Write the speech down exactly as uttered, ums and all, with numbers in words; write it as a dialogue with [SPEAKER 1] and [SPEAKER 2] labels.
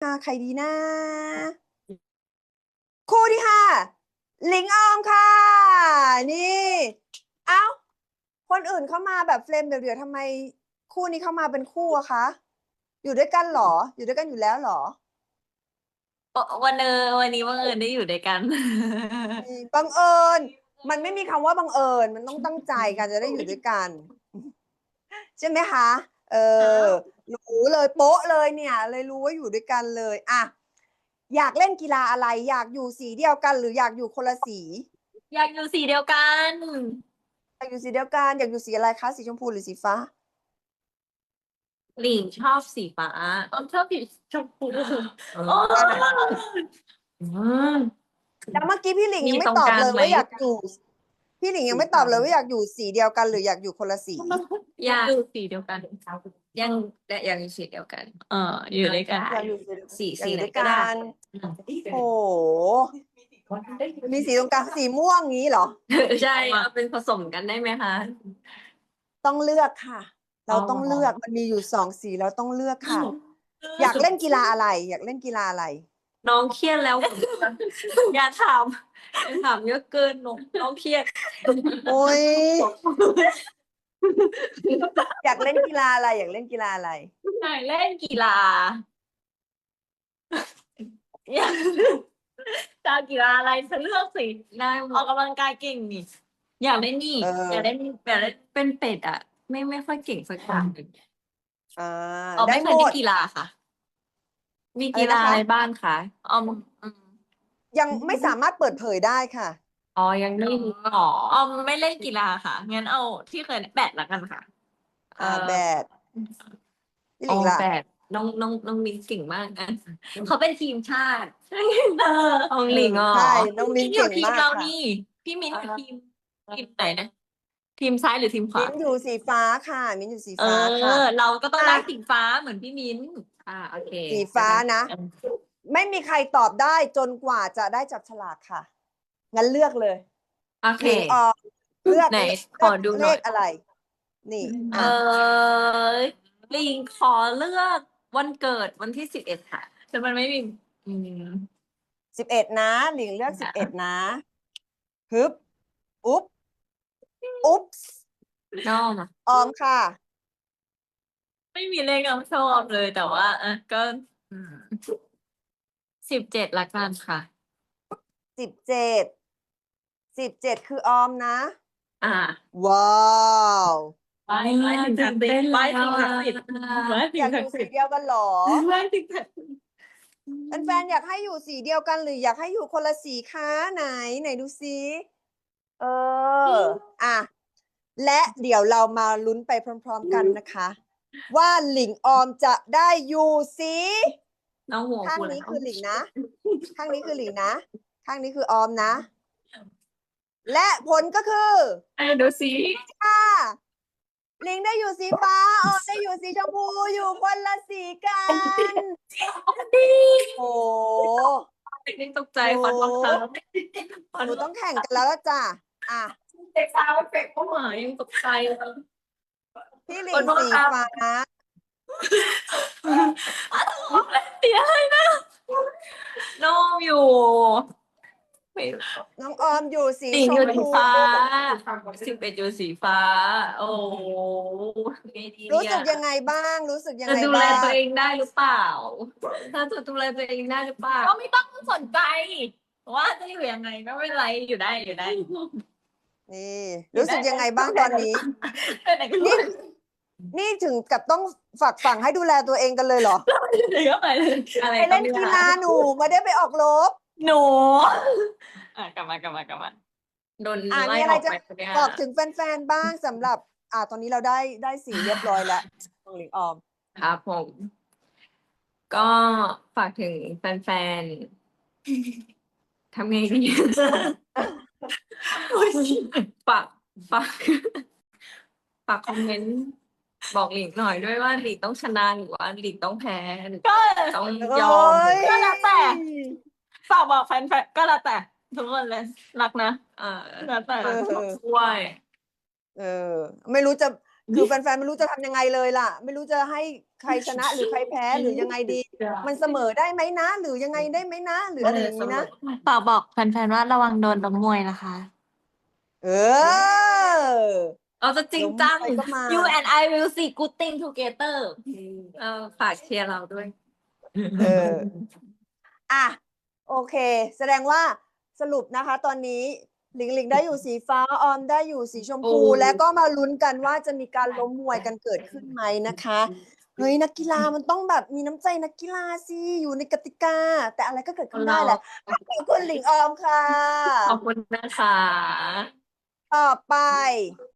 [SPEAKER 1] ห้าใครดีนะคู่ที่ห้าหลิงออมค่ะ นี่ เอ้า คนอื่นเข้ามาแบบเฟรมเดี่ยวๆทำไมคู่นี้เข้ามาเป็นคู่อะคะ อยู่ด้วยกันเหรอ อยู่ด้วยกันอยู่แล้วเหรอ
[SPEAKER 2] วันเออวันนี้บังเอิญได้อยู่ด้วยกัน
[SPEAKER 1] บังเอิญ มันไม่มีคำว่าบังเอิญ มันต้องตั้งใจกันจะได้อยู่ด้วยกัน ใช่ไหมคะ เออ รู้เลยโป๊ะเลยเนี่ย เลยรู้ว่าอยู่ด้วยกันเลยอะอยากเล่นกีฬาอะไร อยากอยู่สีเดียวกัน หรืออยากอยู่คนละสี
[SPEAKER 2] อยากอยู่สีเดียวกัน
[SPEAKER 1] อยากอยู่สีเดียวกัน อยากอยู่สีอะไรคะ สีชมพูหรือสีฟ้า
[SPEAKER 2] หลิงชอบสีฟ้าออมชอบสีชมพูโอ้
[SPEAKER 1] แล้วเมื่อกี้พี่หลิง
[SPEAKER 2] มี
[SPEAKER 1] ยังไม่
[SPEAKER 2] ตรง
[SPEAKER 1] ตอบ
[SPEAKER 2] กลาง
[SPEAKER 1] เลย
[SPEAKER 2] ไหม
[SPEAKER 1] ว่าอยากอยู่ พี่หลิงยังไม่ตอบเลยว่าอยากอยู่สีเดียวกัน หรืออยากอยู่คนละสี
[SPEAKER 2] อยากอยู่สีเดียวกัน ยังอยากอยู่สีเดียวกัน เอออยู่ด้วยกัน
[SPEAKER 1] อยากอยู่สี
[SPEAKER 2] สี
[SPEAKER 1] อยากอยู่ด้วย
[SPEAKER 2] สีไหนก็ได้
[SPEAKER 1] กัน โอ้โห มีสีตรงกลางสีม่วงงี้เหรอ
[SPEAKER 2] ใช่เอาเป็นผสมกันได้ไหมคะ
[SPEAKER 1] ต้องเลือกค่ะ เราต้องเลือก มันมีอยู่สองสีเราต้องเลือกค่ะ อยากเล่นกีฬาอะไร อยากเล่นกีฬาอะไร
[SPEAKER 2] น้องเครียดแล้ว อย่าถามอย่าถามเยอะเกินน้องน้องเครียด
[SPEAKER 1] โอ้ย อยากเล่นกีฬาอะไร อยากเล่นกีฬาอะไร
[SPEAKER 2] อยากเล่นกีฬาอยากจะเอากีฬาอะไรฉันเลือกสิได้ออกกำลังกายเก่งนี่อยากเล่นนี่
[SPEAKER 1] เออ
[SPEAKER 2] อยากเล่นอยากเล่นเป็นเป็ดอ่ะ ไม่ไม่ค่อยเก่งสักอย่างหนึ่ง
[SPEAKER 1] อ่า
[SPEAKER 2] ออม
[SPEAKER 1] ได้
[SPEAKER 2] ไม่เค
[SPEAKER 1] หม
[SPEAKER 2] ยเล่
[SPEAKER 1] ด
[SPEAKER 2] นกีฬาค่ะ มี
[SPEAKER 1] อะไร
[SPEAKER 2] กีฬา
[SPEAKER 1] นะคะ
[SPEAKER 2] อะไรบ้างคะออมอืม
[SPEAKER 1] ยังไม่สามารถเปิดเผยได้ค่ะ
[SPEAKER 2] อ๋อยังไม่รู้อ๋อออมไม่เล่นกีฬาค่ะงั้นเอาที่เคยแบดละกันค่ะ เอ
[SPEAKER 1] อ่า
[SPEAKER 2] อ
[SPEAKER 1] แบด พี่ห
[SPEAKER 2] อ๋
[SPEAKER 1] ลิ
[SPEAKER 2] อง
[SPEAKER 1] ล่ะ
[SPEAKER 2] แบดน้องน้องน้องมิ้นเก่งมากอ่ะเขาเป็นทีมชาติเออของหลิงอ๋อ
[SPEAKER 1] ใช่ น้องมิ้น
[SPEAKER 2] พี่อยู่
[SPEAKER 1] เก่ง
[SPEAKER 2] ทีม
[SPEAKER 1] มาก
[SPEAKER 2] เรา
[SPEAKER 1] ค่ะ
[SPEAKER 2] นี่ พี่มิ้นอยู่ทีมทีมไหนนะ ทีมซ้ายหรือทีมขวา
[SPEAKER 1] มิ้นอยู่สีฟ้าค่ะ มิ้นอยู่สี
[SPEAKER 2] เอ
[SPEAKER 1] ฟ้าค่ะ
[SPEAKER 2] อ เราก็ต้อง
[SPEAKER 1] อ่ะ
[SPEAKER 2] ได้สีฟ้าเหมือนพี่มิ้นอ่าโอเค
[SPEAKER 1] สีฟ้านะ ไม่มีใครตอบได้จนกว่าจะได้จับฉลากค่ะ งั้นเลือกเลย
[SPEAKER 2] โอเค
[SPEAKER 1] หลิงออกเลือก
[SPEAKER 2] ไหน
[SPEAKER 1] เลื
[SPEAKER 2] ขอ
[SPEAKER 1] อก
[SPEAKER 2] ดูห
[SPEAKER 1] เล
[SPEAKER 2] น่อย
[SPEAKER 1] ขอะไร นี่
[SPEAKER 2] เอ
[SPEAKER 1] อ่ะ
[SPEAKER 2] อหลิงขอเลือกวันเกิดวันที่สิบเอ็ดค่ะแต่มันไม่มีอืม
[SPEAKER 1] สิบเอ็ดนะ หลิงเลือกสิบเอ็ดนะฮึบ อุ๊บ อุ๊บ
[SPEAKER 2] ชอบอะ
[SPEAKER 1] ออมค่ะ
[SPEAKER 2] ไม่มีเลขออมชอบเลยแต่ว่าอ่ะก็สิบเจ็ดละกันค่ะ
[SPEAKER 1] สิบเจ็ด สิบเจ็ดคือออมนะ
[SPEAKER 2] อ่า
[SPEAKER 1] ว้าว
[SPEAKER 2] ไปไปถึงศักดิ์สิทธิ์ไปถึงศักดิ์สิทธิ์ไปถึ
[SPEAKER 1] อง ยากอ
[SPEAKER 2] ศัก
[SPEAKER 1] ยู่
[SPEAKER 2] ดิ์
[SPEAKER 1] สี
[SPEAKER 2] สิทธิ์
[SPEAKER 1] เดียวกันเหรอ
[SPEAKER 2] ไปถึงศักดิ์สิทธิ์
[SPEAKER 1] แฟนๆอยากให้อยู่สีเดียวกัน หรืออยากให้อยู่คนละสีคะไหน ไหนดูซิเออ อ่ะ และเดี๋ยวเรามาลุ้นไปพร้อมๆกันนะคะ ว่าหลิงออมจะได้อยู่สี
[SPEAKER 2] น้องหัว
[SPEAKER 1] ข้าง
[SPEAKER 2] กู
[SPEAKER 1] นี้
[SPEAKER 2] แล้ว
[SPEAKER 1] คือหลิงนะ ข้างนี้คือหลิงนะ ข้างนี้คือออมนะ และผลก็คือ
[SPEAKER 2] ไอ้ดูสิ
[SPEAKER 1] ค่ะหลิงได้อยู่สีฟ้า ออมได้อยู่สีชมพู อยู่คนละสีกัน
[SPEAKER 2] ดี
[SPEAKER 1] โอ้
[SPEAKER 2] เด็กตกใจขอโทษครับ
[SPEAKER 1] หนูต้องแข่งกันแล้วล่ะจ้ะ อ่ะ
[SPEAKER 2] เด็กสาวเฟกเข้ามายังตกใจเลย
[SPEAKER 1] พี่หลิ
[SPEAKER 2] ของ โทษ
[SPEAKER 1] สี
[SPEAKER 2] ครับ
[SPEAKER 1] ฟ้า
[SPEAKER 2] เสียเลยนะน้องอยู่ไม่
[SPEAKER 1] น้องออมอยู่สี
[SPEAKER 2] หลิง
[SPEAKER 1] ช
[SPEAKER 2] อยู่
[SPEAKER 1] ม
[SPEAKER 2] สี
[SPEAKER 1] พู
[SPEAKER 2] ฟ้าสิบเอ็ดอยู่สีฟ้า โอ้ไงดี
[SPEAKER 1] รู้
[SPEAKER 2] เนี่
[SPEAKER 1] สึ
[SPEAKER 2] ย
[SPEAKER 1] กยังไงบ้าง รู้สึกยัง
[SPEAKER 2] จะ
[SPEAKER 1] ไง
[SPEAKER 2] ดูแล
[SPEAKER 1] บ้าง
[SPEAKER 2] ตัวเองได้หรือเปล่า ถ้าจะดูแลตัวเองได้หรือเปล่า ก็ไม่ต้องสนใจว่าจะอยู่ยังไงก็ไม่เป็นไรอยู่ได้อยู่ได้
[SPEAKER 1] นี่ รู้สึกยังไงบ้างตอนนี้
[SPEAKER 2] ไปไหนก็
[SPEAKER 1] นี่ นี่ถึงกับต้องฝากฝังให้ดูแลตัวเองกันเลยเหรอ
[SPEAKER 2] ไปก็ไปเลยอะไร
[SPEAKER 1] ไปเล่นกีฬาหนูไม่ได้ไปออกรบ
[SPEAKER 2] หนูอ่ะกลับมากลับมากลับมาโดน
[SPEAKER 1] อ่า
[SPEAKER 2] ไล่
[SPEAKER 1] มีอะ
[SPEAKER 2] อ
[SPEAKER 1] ไร
[SPEAKER 2] อก
[SPEAKER 1] จะ
[SPEAKER 2] ไปคนเนี้ย
[SPEAKER 1] บอกถึงแฟนๆบ้างสำหรับ อ่า ตอนนี้เราได้ได้สีเรียบร้อยแล้วของหลิงออม
[SPEAKER 2] ครับผม ก็ฝากถึงแฟนๆ ทำไงดีฝากฝากฝากคอมเมนต์บอกหลิงหน่อยด้วยว่าหลิงต้องชนะหรือว่าหลิงต้องแพ้หรือต้องยอม
[SPEAKER 1] เอ้ย
[SPEAKER 2] ก็แล้วแต่ ฝากบอกแฟนๆก็แล้วแต่ทุกคนเลยรักนะเออแล้วแต่ช่วย
[SPEAKER 1] เออ ไม่รู้จะ คือแฟนๆไม่รู้จะทำยังไงเลยล่ะ ไม่รู้จะให้ใครชนะหรือใครแพ้หรือยังไงดี มันเสมอได้ไหมนะ หรือยังไงได้ไหมนะ หรืออะไรอย่างนี้นะ
[SPEAKER 3] ฝากบอกแฟนๆว่าระวังโดนล้มมวยนะคะ
[SPEAKER 1] เออ
[SPEAKER 2] เราจะจริงจัง
[SPEAKER 1] ล้มไปก็มา
[SPEAKER 3] You and I will see good thing together
[SPEAKER 2] เออฝากเชียร์เราด้วย
[SPEAKER 1] เออ อ่ะ โอเค แสดงว่าสรุปนะคะ ตอนนี้หลิงหลิงได้อยู่สีฟ้า ออมได้อยู่สีชมพู
[SPEAKER 2] โอ้
[SPEAKER 1] แล้วก็มาลุ้นกันว่าจะมีการล้มมวยกันเกิดขึ้นไหมนะคะ เฮ้ย นักกีฬามันต้องแบบมีน้ำใจนักกีฬาสิ อยู่ในกติกา แต่อะไรก็เกิดขึ้นได้แหละ ขอบคุณหลิงออมค่ะ
[SPEAKER 2] ขอบคุณนะคะ
[SPEAKER 1] ต่อไป